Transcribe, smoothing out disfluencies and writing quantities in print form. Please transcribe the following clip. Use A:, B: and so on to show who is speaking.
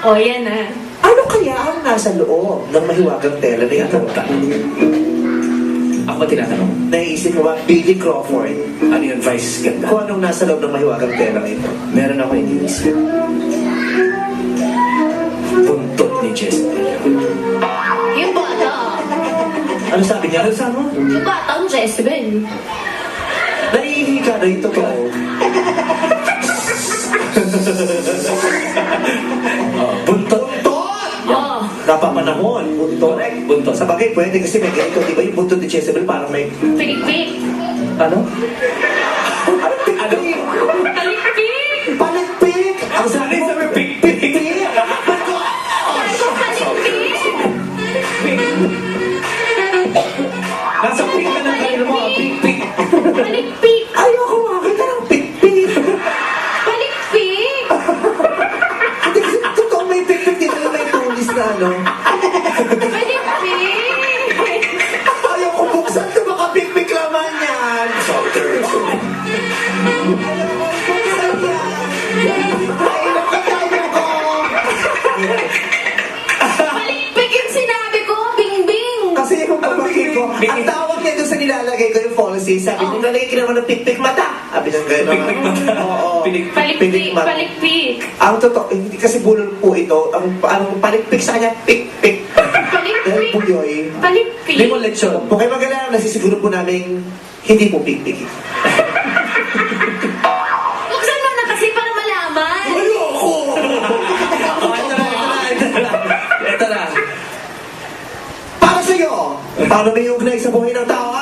A: O, yan na.
B: Ano kaya ang nasa loob ng mahiwagang tela na ito?
C: Ako ba tinatanong?
B: Naisip mo ba, Billy Crawford,
C: Ano yung advice ganda?
B: kung anong nasa loob ng mahiwagang tela na ito?
C: Meron ako iniisip. Buntot ni Jezebel.
A: Yung bata.
B: Ano sabi niya?
C: Ano sabi mo?
A: Yung bata ang Jezebel.
B: Naiihi ka na ito to.
C: Buntot.
A: Oh.
B: Napapanahon, buntot.
C: Buntot.
B: Sa bagay, pwede kasi may ganito, di ba yung buntot ni Jezebel parang may...
A: Pilikpik.
B: Ano?
C: Ano?
A: Palikpik.
B: Palikpik! Ang sabi mo,
C: Pikpik.
B: pikpik!
C: Nasa pink ka ng kanila mo. Pikpik.
A: Palikpik.
B: Ayoko makakita ng pikpik!
A: Palikpik.
B: Hindi kasi totoo may pikpik dito yung may tulis na ano.
A: Palikpik.
B: Ayoko buksan ito, baka pikpik laman yan! Buksan yan! Ay, nakatayo ko!
A: Palikpik yung sinabi ko. Bingbing.
B: Kasi yung pagpapakit ko,
C: Pikpik.
B: ang tawag niya doon sa nilalagay ko yung policy, sabi niya, nalagay ka naman ng pikpik mata. Sabi niya gano'n.
C: Pikpik mata.
B: Oo.
C: Pilik-
A: Palikpik.
B: mata.
A: Palikpik.
B: Ang totoo, hindi kasi bulol po ito, ang palikpik sa kanya, pikpik. Dahil
A: Palikpik.
B: puyoy.
A: Palikpik.
C: Hindi mo lechon.
B: Kung kayo mag-alala, nasisiguro po namin hindi po pikpik.
A: Buksan mo na kasi para malaman.
B: Ayoko!
C: Oh, ito na. Ito na.
B: Para sa'yo, paano may ugnay sa buhay ng tao